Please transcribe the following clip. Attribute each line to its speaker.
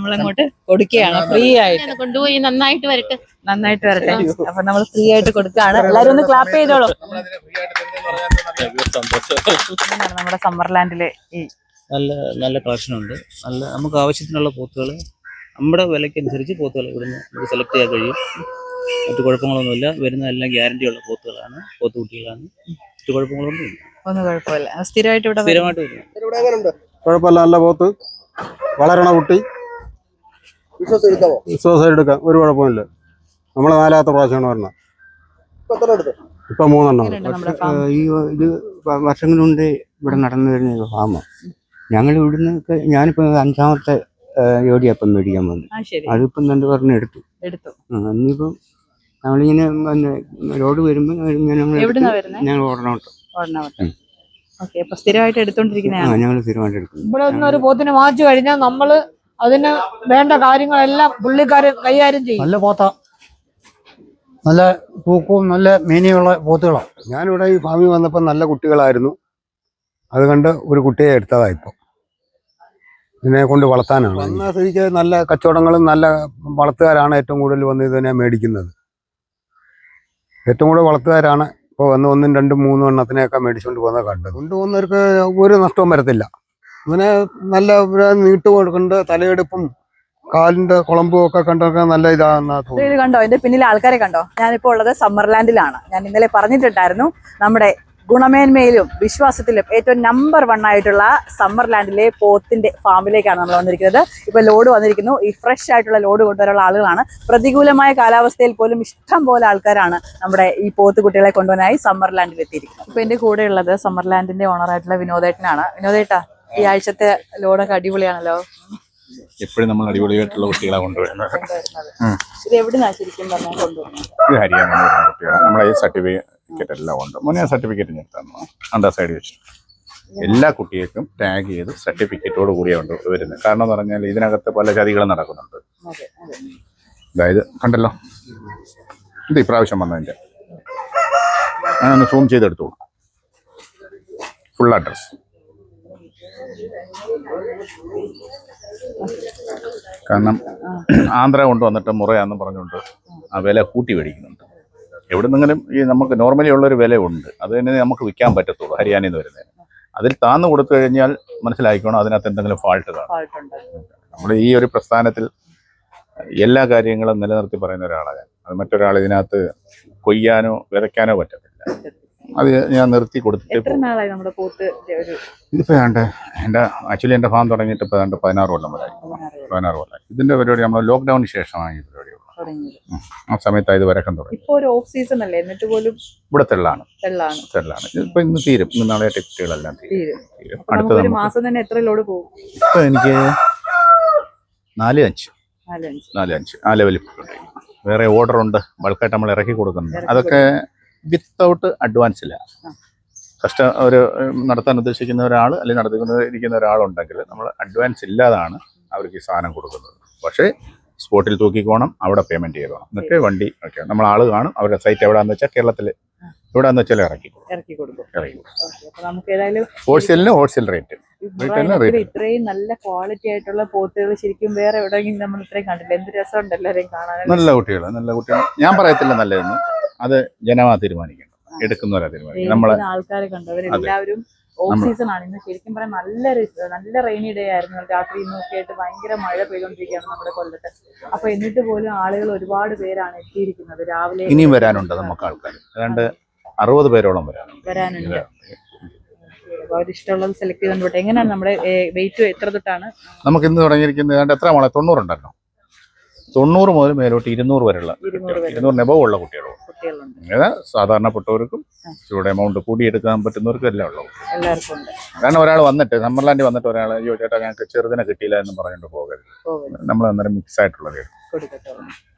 Speaker 1: നമ്മളങ്ങോട്ട് കൊടുക്കുകയാണ് ഫ്രീ ആയിട്ട്.
Speaker 2: കൊണ്ടുപോയി നന്നായിട്ട് വരട്ടെ.
Speaker 1: അപ്പൊ നമ്മൾ ഫ്രീ ആയിട്ട് കൊടുക്കുകയാണ്. എല്ലാരും ഒന്ന് ക്ലാപ്പ് ചെയ്തോളൂ. നമ്മുടെ സമ്മർലാൻഡിലെ ഈ
Speaker 3: നല്ല നല്ല കളക്ഷൻ ഉണ്ട്. നല്ല നമുക്ക് ആവശ്യത്തിനുള്ള പോത്തുകൾ നമ്മുടെ വിലയ്ക്കനുസരിച്ച് പോത്തുകൾ ഇവിടുന്ന് നമുക്ക് സെലക്ട് ചെയ്യാൻ കഴിയും. മറ്റു കുഴപ്പങ്ങളൊന്നുമില്ല. വരുന്ന എല്ലാം ഗ്യാരണ്ടി ഉള്ള പോത്തുകളാണ്, പോത്തുകുട്ടികളാണ്. മറ്റു കുഴപ്പങ്ങളൊന്നുമില്ല.
Speaker 1: ഒന്നും കുഴപ്പമില്ല. സ്ഥിരമായിട്ട്
Speaker 3: സ്ഥിരമായിട്ട് വരും.
Speaker 4: കുഴപ്പമില്ല. നല്ല പോത്ത്, വളരണ കുട്ടി, വിശ്വാസം എടുക്കാം. ഒരു കുഴപ്പമില്ല. നമ്മള് 4ാമത്തെ പ്രാവശ്യമാണ് പറഞ്ഞത്. ഇപ്പൊ 3
Speaker 5: ഈ ഇത് വർഷങ്ങളുണ്ട് ഇവിടെ നടന്നു വരുന്ന ഫാമ. ഞങ്ങൾ ഇവിടുന്ന് ഞാനിപ്പോ 5ാമത്തെ ജോഡിയപ്പം മേടിക്കാൻ വന്നു. അതിപ്പം 2 പറഞ്ഞ് എടുത്തു. ഇനിയിപ്പം നമ്മളിങ്ങനെ ലോഡ് വരുമ്പോ ഞങ്ങൾ ഓടണോട്ടോ.
Speaker 1: സ്ഥിരമായിട്ട് എടുത്തോണ്ടിരിക്കുന്നതാണ്.
Speaker 5: ഞങ്ങൾ സ്ഥിരമായിട്ട് എടുക്കും.
Speaker 6: ഇവിടെ നിന്ന് ഒരു പോത്തിനെ വാങ്ങിച്ചു കഴിഞ്ഞാൽ നമ്മള് അതിന് വേണ്ട കാര്യങ്ങളെല്ലാം പുള്ളിക്കാരൻ കൈകാര്യം ചെയ്യും.
Speaker 7: നല്ല പോത്ത, നല്ല തൂക്കവും നല്ല മീനിയുള്ള പോത്തുകളാണ്.
Speaker 4: ഞാനിവിടെ ഈ ഫാമിൽ വന്നപ്പോൾ നല്ല കുട്ടികളായിരുന്നു. അത് കണ്ട് ഒരു കുട്ടിയെ എടുത്തതാ. ഇപ്പം ഇതിനെ കൊണ്ട് വളർത്താനാണ് വന്ന സ്ഥിതിക്ക് നല്ല കച്ചവടങ്ങളും നല്ല വളർത്തുകാരാണ് ഏറ്റവും കൂടുതൽ വന്ന് ഇതിനെ മേടിക്കുന്നത്. ഏറ്റവും കൂടുതൽ വളർത്തുകാരാണ് ഇപ്പോൾ വന്ന് 1, 2, 3 എണ്ണത്തിനെയൊക്കെ മേടിച്ചുകൊണ്ട് പോകുന്നത് കണ്ടത്. കൊണ്ടുപോകുന്നവർക്ക് ഒരു നഷ്ടവും വരത്തില്ല. ഇതിനെ നല്ല നീട്ട് കൊടുക്കേണ്ട തലയെടുപ്പും കാലിന്റെ കുളമ്പും ഒക്കെ കണ്ടൊക്കെ നല്ല ഇതാണെന്നാ തോന്നുന്നു.
Speaker 1: ഇത് കണ്ടോ, എന്റെ പിന്നിൽ ആൾക്കാരെ കണ്ടോ? ഞാനിപ്പോ ഉള്ളത് സമ്മർലാൻഡിലാണ്. ഞാൻ ഇന്നലെ പറഞ്ഞിട്ടുണ്ടായിരുന്നു നമ്മുടെ ഗുണമേന്മയിലും വിശ്വാസത്തിലും ഏറ്റവും നമ്പർ 1 ആയിട്ടുള്ള സമ്മർലാൻഡിലെ പോത്തിന്റെ ഫാമിലേക്കാണ് നമ്മൾ വന്നിരിക്കുന്നത്. ഇപ്പൊ ലോഡ് വന്നിരിക്കുന്നു. ഈ ഫ്രഷ് ആയിട്ടുള്ള ലോഡ് കൊണ്ടുവരാനുള്ള ആളുകളാണ്. പ്രതികൂലമായ കാലാവസ്ഥയിൽ പോലും ഇഷ്ടം പോലെ ആൾക്കാരാണ് നമ്മുടെ ഈ പോത്ത് കുട്ടികളെ കൊണ്ടുവരാനായി സമ്മർലാൻഡിൽ എത്തിയിരിക്കുന്നത്. ഇപ്പൊ എന്റെ കൂടെ ഉള്ളത് സമ്മർലാൻഡിന്റെ ഓണറായിട്ടുള്ള വിനോദേട്ടനാണ്. വിനോദേട്ടാ, ഈ ആഴ്ചത്തെ ലോഡൊക്കെ അടിപൊളിയാണല്ലോ.
Speaker 8: എപ്പോഴും നമ്മൾ അടിപൊളിയായിട്ടുള്ള കുട്ടികളെ കൊണ്ടുവരുന്നത്.
Speaker 1: ഇത് എവിടുന്നാ ശരിക്കും പറഞ്ഞാൽ കൊണ്ടുവരുന്നത്?
Speaker 8: ഇത് ഹരിയാന കുട്ടികളാണ്. നമ്മളെ ഈ സർട്ടിഫിക്കറ്റ് എല്ലാം ഉണ്ട്. മുന്നേ സർട്ടിഫിക്കറ്റ് ഞാൻ അണ്ടാ സൈഡ് വെച്ചു. എല്ലാ കുട്ടികൾക്കും ടാഗ് ചെയ്ത് സർട്ടിഫിക്കറ്റോട് കൂടിയാണ് വരുന്നത്. കാരണം എന്ന് പറഞ്ഞാൽ ഇതിനകത്ത് പല ചതികളും നടക്കുന്നുണ്ട്. അതായത് കണ്ടല്ലോ, ഇത് ഇപ്രാവശ്യം വന്നതിൻ്റെ ഞാനൊന്ന് സൂം ചെയ്തെടുത്തോളൂ. Full address. കാരണം ആന്ധ്ര കൊണ്ടുവന്നിട്ട് മുറയാന്ന് പറഞ്ഞുകൊണ്ട് ആ വില കൂട്ടി മേടിക്കുന്നുണ്ട്. എവിടെ നിന്നെങ്കിലും ഈ നമുക്ക് നോർമലി ഉള്ളൊരു വില ഉണ്ട്. അത് തന്നെ നമുക്ക് വിൽക്കാൻ പറ്റത്തുള്ളൂ ഹരിയാനയിൽ നിന്ന് വരുന്നതിന്. അതിൽ താന്ന് കൊടുത്തു കഴിഞ്ഞാൽ മനസ്സിലാക്കിക്കോണം അതിനകത്ത് എന്തെങ്കിലും ഫാൾട്ട് കാണും. നമ്മൾ ഈ ഒരു പ്രസ്ഥാനത്തിൽ എല്ലാ കാര്യങ്ങളും നിലനിർത്തി പറയുന്ന ഒരാളാണ്. അത് മറ്റൊരാൾ ഇതിനകത്ത് കൊയ്യാനോ വിതയ്ക്കാനോ പറ്റത്തില്ല. അത് ഞാൻ നിർത്തി കൊടുത്തിട്ട് ഇതിപ്പോൾ എൻ്റെ ആക്ച്വലി എൻ്റെ ഫാം തുടങ്ങിയിട്ട് ഇപ്പോൾ 16 കൊല്ലം വരെ. 16 കൊല്ലം. ഇതിൻ്റെ പരിപാടി നമ്മൾ ലോക്ക്ഡൌണിന് ശേഷമാണ് ഈ പരിപാടി. ആ സമയത്ത് ഇത് വരക്കം തുടങ്ങി. ഇവിടെ തെള്ളാണ്. ഇപ്പൊ ഇന്ന് തീരും. ഇന്ന് നാളെ കുട്ടികളെല്ലാം തീരും. അടുത്ത ഇപ്പൊ എനിക്ക് 4-5 ആ ലെവലിൽ വേറെ ഓർഡർ ഉണ്ട്. ബൾക്കായിട്ട് നമ്മൾ ഇറക്കി കൊടുക്കുന്നുണ്ട്. അതൊക്കെ വിത്തൗട്ട് അഡ്വാൻസില്ല. ഒരു നടത്താൻ ഉദ്ദേശിക്കുന്ന ഒരാൾ അല്ലെങ്കിൽ നടത്തിക്കൊണ്ടിരിക്കുന്ന ഒരാളുണ്ടെങ്കിൽ നമ്മൾ അഡ്വാൻസ് ഇല്ലാതാണ് അവർക്ക് ഈ സാധനം കൊടുക്കുന്നത്. പക്ഷേ സ്പോട്ടിൽ തൂക്കിക്കോണം, അവിടെ പേയ്മെന്റ് ചെയ്തോണം. എന്നിട്ട് വണ്ടി ഒക്കെ നമ്മൾ ആള് കാണും. അവരുടെ സൈറ്റ് എവിടെയാന്ന് വെച്ചാൽ കേരളത്തിൽ എവിടെയാന്ന് വെച്ചാൽ ഇറക്കി കൊടുക്കും. Wholesale rate.
Speaker 1: ഇത്രയും നല്ല ക്വാളിറ്റി ആയിട്ടുള്ള പോത്തുകൾ ശരിക്കും വേറെ എവിടെയെങ്കിലും നമ്മൾ ഇത്രയും കണ്ടില്ല. എന്ത് രസമുണ്ട് എല്ലാവരെയും കാണാൻ.
Speaker 8: നല്ല കുട്ടികൾ ഞാൻ പറയത്തില്ല നല്ലതെന്ന്. അത് ജനമാ തീരുമാനിക്കണം, എടുക്കുന്നവരാ തീരുമാനിക്കണം. നമ്മളെ
Speaker 1: ആൾക്കാരെ കണ്ടവരെല്ലാവരും ഓഫ് സീസൺ ആണ്. ഇന്ന് ശരിക്കും പറയാൻ നല്ല റെയിനി ഡേ ആയിരുന്നു. രാത്രി ഇന്നൊക്കെ ആയിട്ട് ഭയങ്കര മഴ പെയ്തുകൊണ്ടിരിക്കുകയാണ് നമ്മുടെ കൊല്ലത്ത്. അപ്പൊ എന്നിട്ട് പോലും ആളുകൾ ഒരുപാട് പേരാണ് എത്തിയിരിക്കുന്നത്. രാവിലെ
Speaker 8: ഇനിയും വരാനുണ്ട് നമുക്ക് ആൾക്കാർ. ഏതാണ്ട് 60 പേരോളം
Speaker 1: വരാനുണ്ട്. അവരിഷ്ടമുള്ളത് സെലക്ട് ചെയ്തോട്ടെ. എങ്ങനെയാണ് നമ്മുടെ വെയിറ്റ് എത്ര തൊട്ടാണ് നമുക്ക് ഇന്ന് തുടങ്ങിയിരിക്കുന്നത്?
Speaker 8: ഏതാണ്ട് എത്ര 90 ഉണ്ടല്ലോ. 90 മുതൽ മേലോട്ട് 200 വരെയുള്ള 200 എബവ് ഉള്ള കുട്ടികളുണ്ട്. സാധാരണപ്പെട്ടവർക്കും ഇവിടെ എമൗണ്ട് കൂടിയെടുക്കാൻ പറ്റുന്നവർക്കും എല്ലാം ഉള്ളൂ. കാരണം ഒരാൾ വന്നിട്ട് സമ്മർലാൻഡിൽ വന്നിട്ട് ഒരാൾ അയ്യോ ചേട്ടാ ഞങ്ങൾക്ക് ചെറുതിനെ കിട്ടിയില്ല എന്ന് പറഞ്ഞിട്ട് പോകരുത്. നമ്മൾ അന്നേരം മിക്സ് ആയിട്ടുള്ളത്